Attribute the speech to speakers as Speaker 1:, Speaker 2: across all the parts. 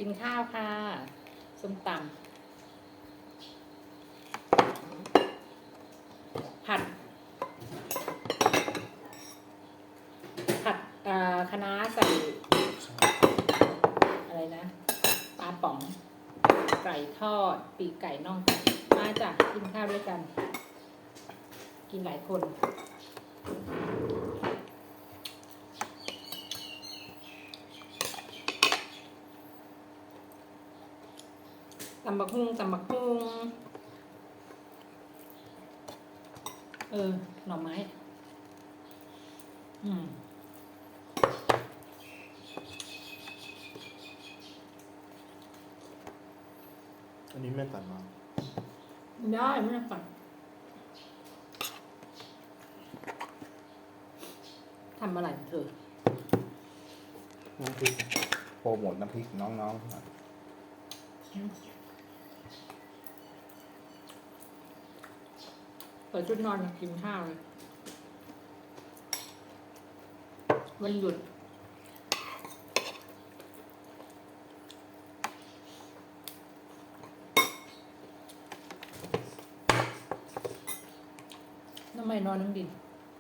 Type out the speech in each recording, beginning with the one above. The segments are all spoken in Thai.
Speaker 1: กินข้าวค่ะส้มตำผัดคะน้าใส่อะไรนะปลาป๋องไก่ทอดปีกไก่น่องไก่มาจ้ะกินข้าวด้วยกัน กินหลายคนตำบักหุ่งหน่อไม้
Speaker 2: อันนี้แม่ตัดมา
Speaker 1: ได้ไม่ต้องฝันทำอะไรเธอ
Speaker 2: น้ำพริกโปรโมทน้ำพริกน้องๆ
Speaker 1: เปิดชุดนอนกินข้าวเลยวันหยุดทำไมนอนน้ำดิน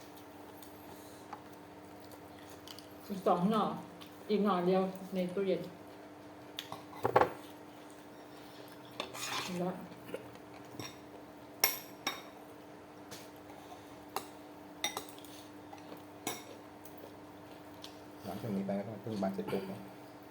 Speaker 1: อีก2 หน่ออีกหน่อเดียวในตู้เย็นแล้ว
Speaker 2: หลังจากนี้ไปก็ต้องพึ่งบ้านเสร็จปุ๊บเนาะ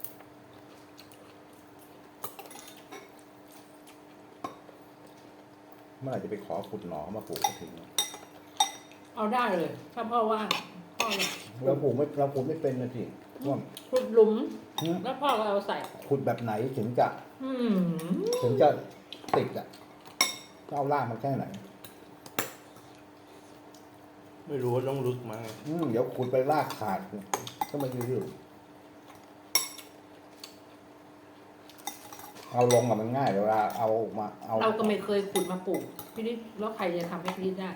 Speaker 2: เมื่อไหร่จะไปขอขุดหนอมาปลูกก็ถึง
Speaker 1: เอาได้เลยถ้าพ่อว่างพ่อเลย
Speaker 2: เราปลูกไม่เป็นนะพี่ว่า
Speaker 1: ขุดหลุมแล้วพ่อก็เอาใส่
Speaker 2: ขุดแบบไหนถึงจะ
Speaker 1: อืม
Speaker 2: ติดอ่ะเอาล่างมาแค่ไหน
Speaker 3: ไม่รู้ว่าต้องลึกไหม
Speaker 2: เดี๋ยวขุดไปรากขาดก็ไม่ยืดเอาลงอะมันง่ายเวลาเอามาเอา
Speaker 1: เราก็ไม่เคยขุดมาปลูกพี่นิดแล้วใครจะทำให้พี่นิดได้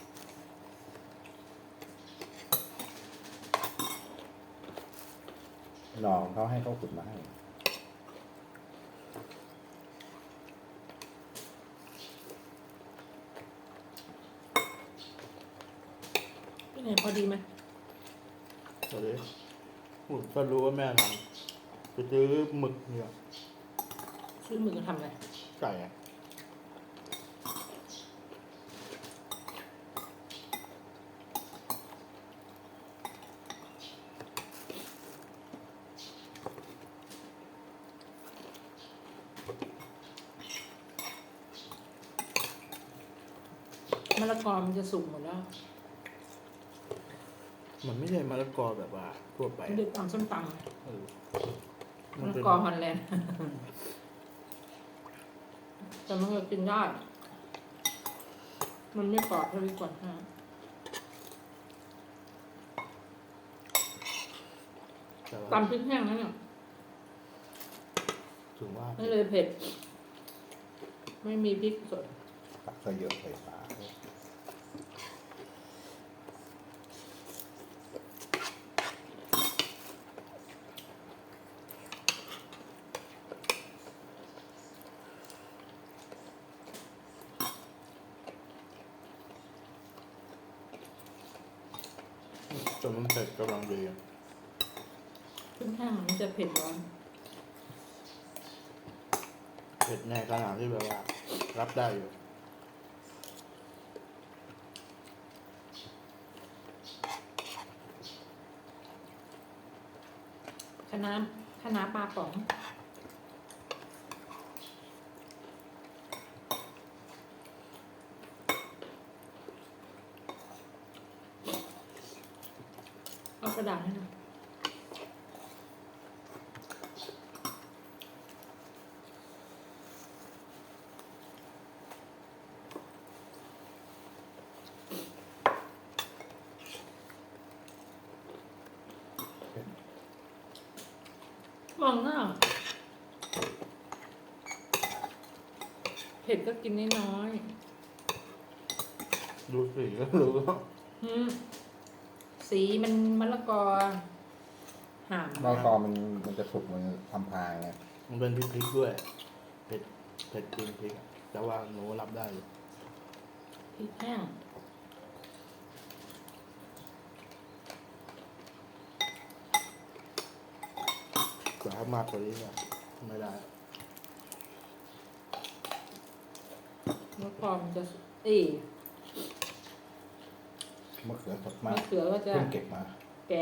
Speaker 2: หนองเขาให้เขาขุดมาให้
Speaker 1: พี่ไหนพอดีไหม
Speaker 3: ตอนนี้ก็รู้ว่าแม่ทำไปซื้อหมึกเนี่ย
Speaker 1: ซื้อมือก็ทำอะไร
Speaker 3: ไก่อะ
Speaker 1: มะละกอมันจะสุกหมดแล้ว
Speaker 3: มันไม่ใช่มะละกอแบบว่าทั่วไป
Speaker 1: เด็กตำส้มตำมะ
Speaker 3: มัน
Speaker 1: ละ
Speaker 3: เป็น
Speaker 1: กอฮอลแลนด์ แต่มันก็กินได้ มันไม่กรอบเท่าที่ควรฮะ
Speaker 3: แต่ว่า
Speaker 1: ตำพริกแห้งนั่นเนี่ย
Speaker 3: ถึงว่า
Speaker 1: ไม่เลยเผ็ด ไม่มีพริกสด
Speaker 2: ตักใส่เยอะใส่ปลา
Speaker 3: จนมันเผ็ดกำลังดีอะ
Speaker 1: พริกแห้งมันจะเผ็ดร้อน
Speaker 3: เผ็ดในขนาดที่แบบว่า รับได้อยู่
Speaker 1: คะน้าปลาป๋องเอากระดาษให้หน่อยมองหน้าเผ็ดก็กินน้อย
Speaker 3: ดูสีก็รู้ว่า
Speaker 1: สีมันมะละกอห่าม
Speaker 2: มะละกอมันจะสุกมันทำพายไง
Speaker 3: มันเป็นพริกด้วยเผ็ดเผ็ดจริงพริกอะแต่ว่าหนูรับได้อยู่
Speaker 1: พริกแห้ง
Speaker 3: แต่ถ้ามากกว่านี้เนี่ยไม่ได้
Speaker 1: แล้วพอมันจะ
Speaker 2: มะเขือสดมาม
Speaker 1: ะ
Speaker 2: ก
Speaker 1: เขือก็จะ
Speaker 2: เพิ่งเก็บมา
Speaker 1: แก่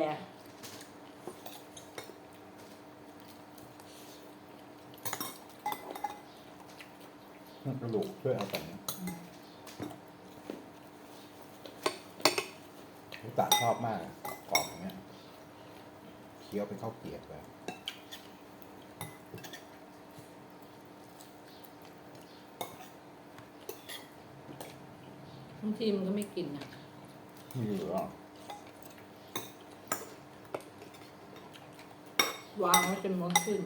Speaker 2: กระดูกช่วยเอาแต่นี้ตาชอบมากกรอบอย่างเงี้ยเคี้ยวเป็นข้าวเกรี๊ยวเลย
Speaker 1: บางทีมันก็ไม่กินนะ
Speaker 2: ไม่เหลือ
Speaker 1: วางไว้จนมดขึ้น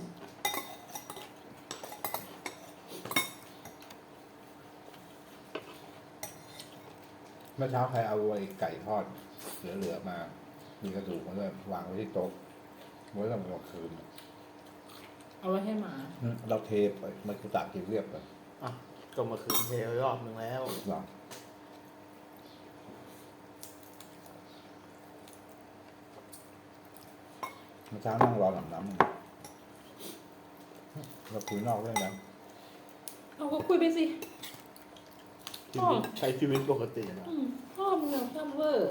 Speaker 2: เมื่อเช้าใครเอาไอ้ไก่ทอดเหลือๆมา มีกระดูกมาด้วยวางไว้ที่โต๊ะไว้สำหรับคืน
Speaker 1: เอาไว้ให้หมา
Speaker 2: เราเทไปมันคือตากกินเรียบเลย
Speaker 3: อ่ะก็มาคืนเทรอบหนึ่งแล้ว
Speaker 2: หรอเมื่อเช้านั่งรอหลังน้ำเราคุยนอกเรื่องนั้น
Speaker 1: เอาก็คุยไปสิ
Speaker 3: ใช้ชีวิตปกตินะ
Speaker 1: พ่อมึงเนี่ยชอบเวอร์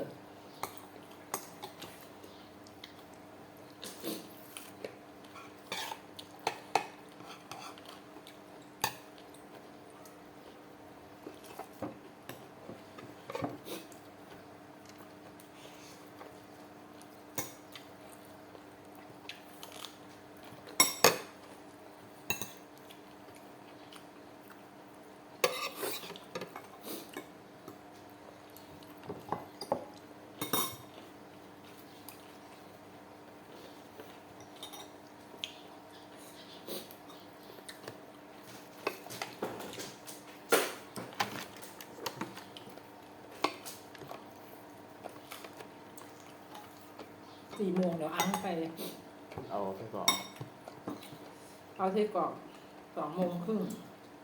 Speaker 1: 4 โมงเดี๋ยวอั้งไปเลย
Speaker 3: เอาไปก่อน
Speaker 1: เอาที่กรอก2 โมงครึ่ง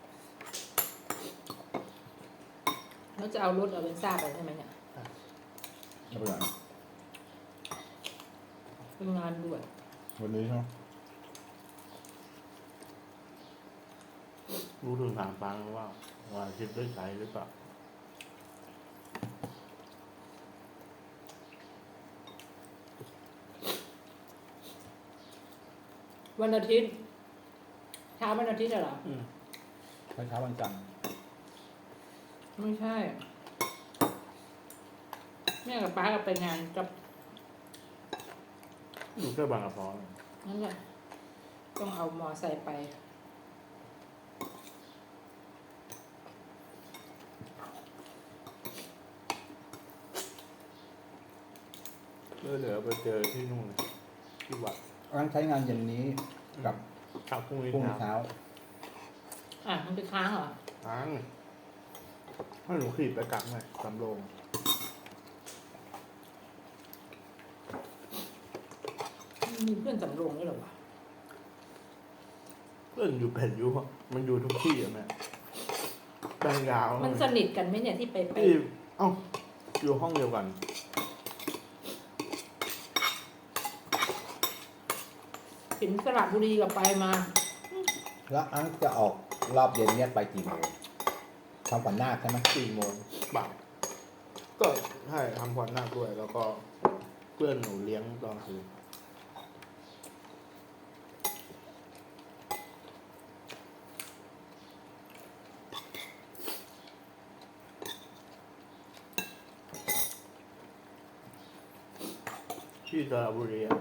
Speaker 1: แล้วจะเอารถเอาเบนซ่าไปใช่ไหมเนี่ย
Speaker 2: ไม่เป็นไร
Speaker 1: เป็นงานด่วน
Speaker 2: วันนี้เนาะ
Speaker 3: รู้ถึงถามฟังว่าคิดได้ใช้หรือเปล่า
Speaker 1: วันอาทิตย์เช้าวันอาทิตย์เหรอ
Speaker 2: เช้าวันจันทร์
Speaker 1: ไม่ใช่ แม่กับป้าก็ไปงานกับ
Speaker 3: อยู่แค่บางกระพร้อ
Speaker 1: นั่นแหละต้องเอามอไซค์ไป
Speaker 3: เดี๋ยวไปเจอที่นู่นที่วัด
Speaker 2: งั้นใช้งานเย็นนี้กับ
Speaker 3: ครับพรุ่งนี้
Speaker 2: พรุ่งนี้
Speaker 3: เช้า
Speaker 2: เช้า
Speaker 1: มันไปค้างเหรอ
Speaker 3: ทางให้หนูขี่ไปกลับไงสำโรง
Speaker 1: มีเพื่อนสำโรงด้วยเหรอวะ
Speaker 3: เพื่อนอยู่เป็นอยู่มันอยู่ทุกที่อะแม่แบงยาว
Speaker 1: มันสนิทกันไหมเนี่ยที่ไป
Speaker 3: ที่เอ้าอยู่ห้องเดียวกัน
Speaker 1: ถึงสระบุรีกับไปมา
Speaker 2: แล้วอังจะออกรอบเย็นเนี่ยไปกี่โมงทำขวัญนาคใช่ไหม
Speaker 3: 4 โมงบ่ายก็ให้ทำขวัญนาคด้วย แล้วก็เพื่อนหนูเลี้ยงตอนคืนที่สระบุรีอะ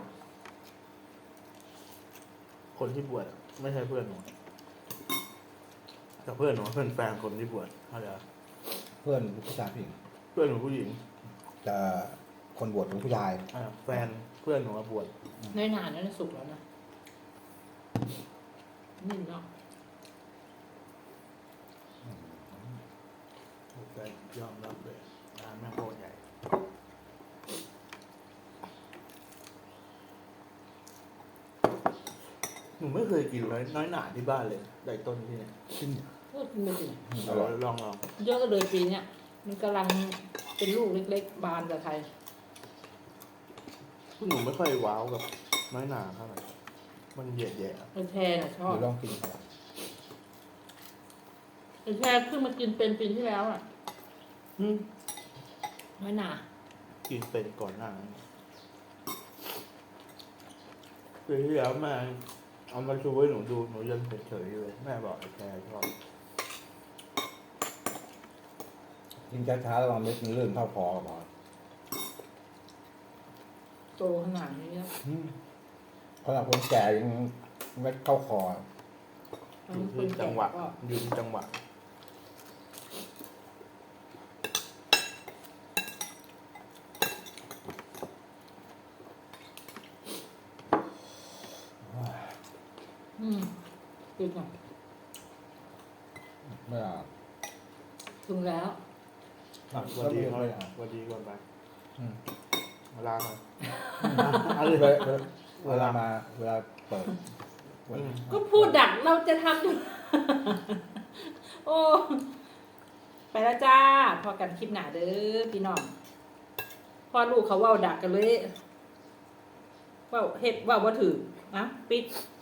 Speaker 3: คนที่บวชอะไม่ใช่เพื่อนหนูแต่เพื่อนหนูเป็นแฟนคนที่บวชเข้าใจปะ
Speaker 2: เพื่อนผู้ชายผู้หญิง
Speaker 3: เพื่อนหนูผู้หญิง
Speaker 2: แต่คนบวชเป็นผู้ชาย
Speaker 3: แฟนเพื่อนหนูมาบวช
Speaker 1: ในนานนั้นสุกแล้วนะนี่เนาะ
Speaker 3: แต่ยอมรับเลยร้านแม่งโคตรใหญ่หนูไม่เคยกินน้อยหนาที่บ้านเลยไก่ต้นที่เนี่ย
Speaker 1: พูดไม่ถึง
Speaker 2: อร่อย
Speaker 3: ลอง
Speaker 1: เยอะเลยปีเนี้ยมันกำลังเป็นลูกเล็กๆ บานกับไทย
Speaker 3: หนูไม่ค่อยว้าวกับน้อยหนาเท่าไหร่มันเหยียดแย่
Speaker 1: ไอ้แพรน่ะชอบ
Speaker 2: เดี๋ยวลองกินก่อน
Speaker 1: ไอ้แพรเพิ่งมากินเป็นปีที่แล้วอ่ะน้อยหนา
Speaker 3: กินเป็นก่อนหน้านั้นปีที่แล้วแม่เอามาชูให้หนูดูหนูยังเฉยๆอยู่เลยแม่บอกไอ้แพรชอบ
Speaker 2: กินช้าๆระวังเม็ดมันลื่นเข้าคอก่อน
Speaker 1: โตขนาดนี้แล้ว
Speaker 2: เพราะคนแก่ยังเม็ดเข้าคอ
Speaker 3: อยู่ที่จังหวะอยู่ที่จังหวะ
Speaker 1: กินหน่อย
Speaker 2: ไม่เอา
Speaker 1: ถึงแล้ว
Speaker 3: วันดี
Speaker 2: ไม่
Speaker 3: เขา
Speaker 2: เอา
Speaker 3: วันดีก่อนไป
Speaker 2: อืม
Speaker 3: มาล้างหน่อย
Speaker 2: เวลามาเวลาเปิด
Speaker 1: ก็พูดดักเราจะทำอยู่ โอ้ ไปแล้วจ้า พอกันคลิปหนาเด้อพี่น้องพอลูกเขาเว่าดักกันเลยเว่าเฮ็ดเว่าบ่ถือนะปิด